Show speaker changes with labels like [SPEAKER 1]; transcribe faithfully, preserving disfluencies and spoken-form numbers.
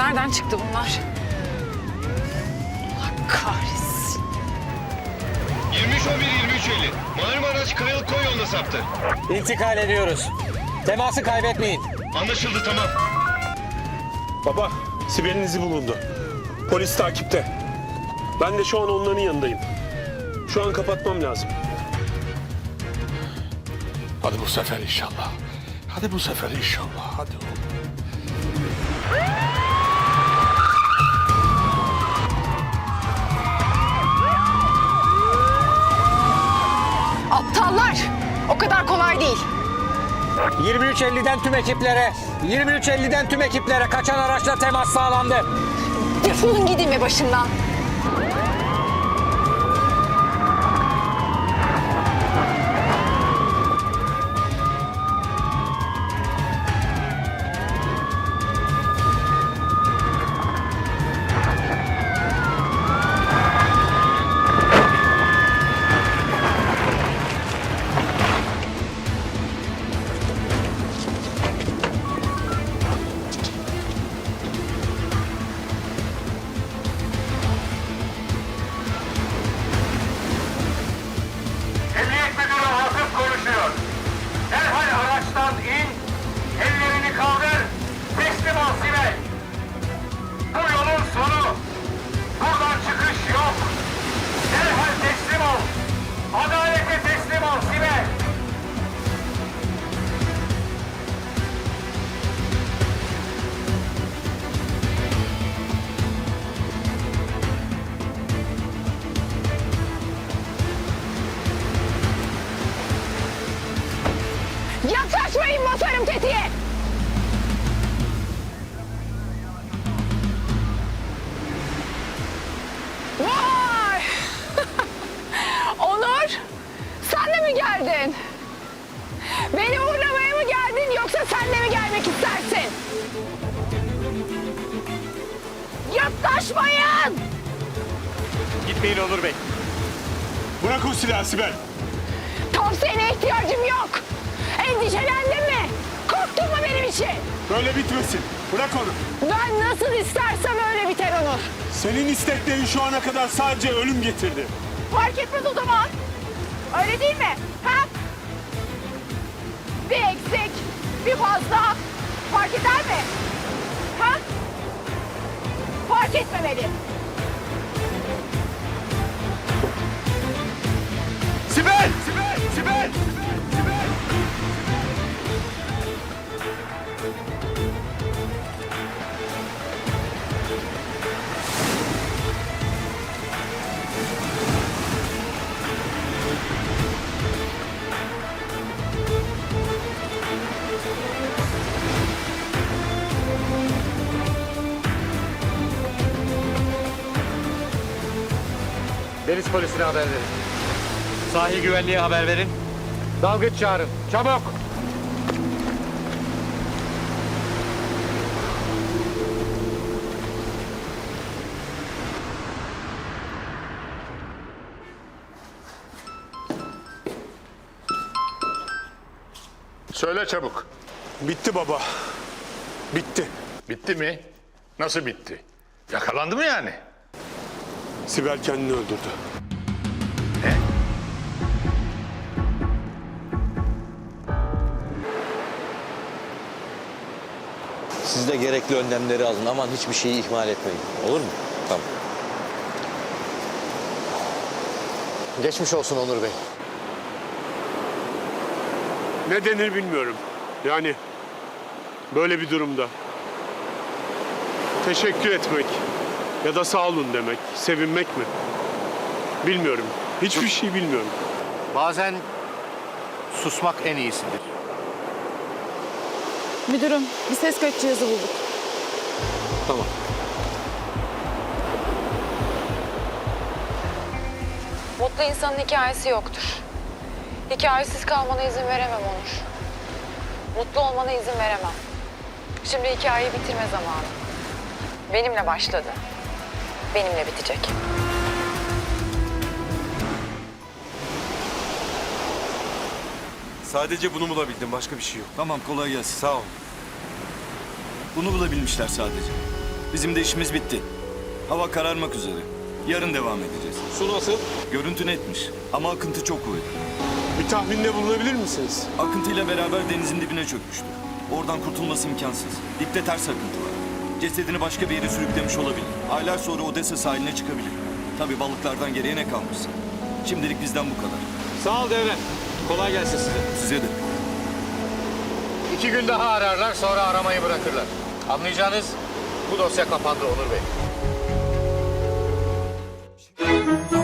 [SPEAKER 1] Nereden çıktı bunlar? Allah kahretsin.
[SPEAKER 2] yirmi üç on bir yirmi üç elli. Malum araç Kayalık Koy yoluna saptı.
[SPEAKER 3] İntikal ediyoruz. Teması kaybetmeyin.
[SPEAKER 2] Anlaşıldı, tamam.
[SPEAKER 4] Baba, Sibel'in izi bulundu. Polis takipte. Ben de şu an onların yanındayım. Şu an kapatmam lazım.
[SPEAKER 5] Hadi bu sefer inşallah. Hadi bu sefer inşallah. Hadi oğlum.
[SPEAKER 1] Aptallar! O kadar kolay değil.
[SPEAKER 3] yirmi üç elliden tüm ekiplere, yirmi üç elliden tüm ekiplere kaçan araçla temas sağlandı.
[SPEAKER 1] Defolun gidin be başımdan.
[SPEAKER 6] Emniyet Müdürü Hasip konuşuyor. Derhal araçtan in, ellerini kaldır, teslim ol Sibel. Bu yolun sonu. Buradan çıkış yok. Derhal teslim ol. Adalete teslim ol Sibel.
[SPEAKER 1] Yaklaşmayın, basarım tetiğe! Vay! Onur! Sen de mi geldin? Beni uğurlamaya mı geldin yoksa sen de mi gelmek istersin? Yaklaşmayın!
[SPEAKER 4] Gitmeyin Onur Bey. Bırak o silahı Sibel.
[SPEAKER 1] Tavsiyene ihtiyacım yok. Endişelendin mi? Korktun mu benim için?
[SPEAKER 4] Böyle bitmesin. Bırak onu.
[SPEAKER 1] Ben nasıl istersem öyle biter Onur.
[SPEAKER 4] Senin isteklerin şu ana kadar sadece ölüm getirdi.
[SPEAKER 1] Fark etmez o zaman. Öyle değil mi? Ha? Bir eksik, bir fazla fark eder mi? Ha? Fark etmemeli.
[SPEAKER 4] Sibel! Sibel! Sibel! Sibel!
[SPEAKER 3] Deniz polisine haber verin. Sahil güvenliğe haber verin. Dalgıç çağırın. Çabuk!
[SPEAKER 5] Söyle çabuk.
[SPEAKER 4] Bitti baba. Bitti.
[SPEAKER 5] Bitti mi? Nasıl bitti? Yakalandı mı yani?
[SPEAKER 4] Sibel kendini öldürdü.
[SPEAKER 5] Ne?
[SPEAKER 7] Siz de gerekli önlemleri alın. Aman hiçbir şeyi ihmal etmeyin. Olur mu? Tamam.
[SPEAKER 3] Geçmiş olsun Onur Bey.
[SPEAKER 4] Ne denir bilmiyorum. Yani böyle bir durumda teşekkür etmek ya da sağ olun demek, sevinmek mi? Bilmiyorum. Hiçbir şey bilmiyorum.
[SPEAKER 8] Bazen susmak en iyisidir.
[SPEAKER 9] Müdürüm, bir ses kayıt cihazı bulduk.
[SPEAKER 4] Tamam.
[SPEAKER 1] Mutlu insanın hikayesi yoktur. Hikayesiz kalmana izin veremem Onur. Mutlu olmana izin veremem. Şimdi hikayeyi bitirme zamanı. Benimle başladı. Benimle bitecek.
[SPEAKER 10] Sadece bunu bulabildim. Başka bir şey yok. Tamam, kolay gelsin. Sağ ol. Bunu bulabilmişler sadece. Bizim de işimiz bitti. Hava kararmak üzere. Yarın devam edeceğiz.
[SPEAKER 4] Su nasıl?
[SPEAKER 10] Görüntü netmiş ama akıntı çok kuvvetli.
[SPEAKER 4] Bir tahminde bulunabilir misiniz?
[SPEAKER 10] Akıntıyla beraber denizin dibine çökmüştür. Oradan kurtulması imkansız. Dipte ters akıntı var. Cesedini başka bir yere sürüklemiş olabilir. Aylar sonra Odessa sahiline çıkabilir. Tabii balıklardan geriye ne kalmışsa. Şimdilik bizden bu kadar.
[SPEAKER 3] Sağ ol Devre. Kolay gelsin size.
[SPEAKER 10] Size de.
[SPEAKER 3] İki gün daha ararlar, sonra aramayı bırakırlar. Anlayacağınız bu dosya kapandı Onur Bey.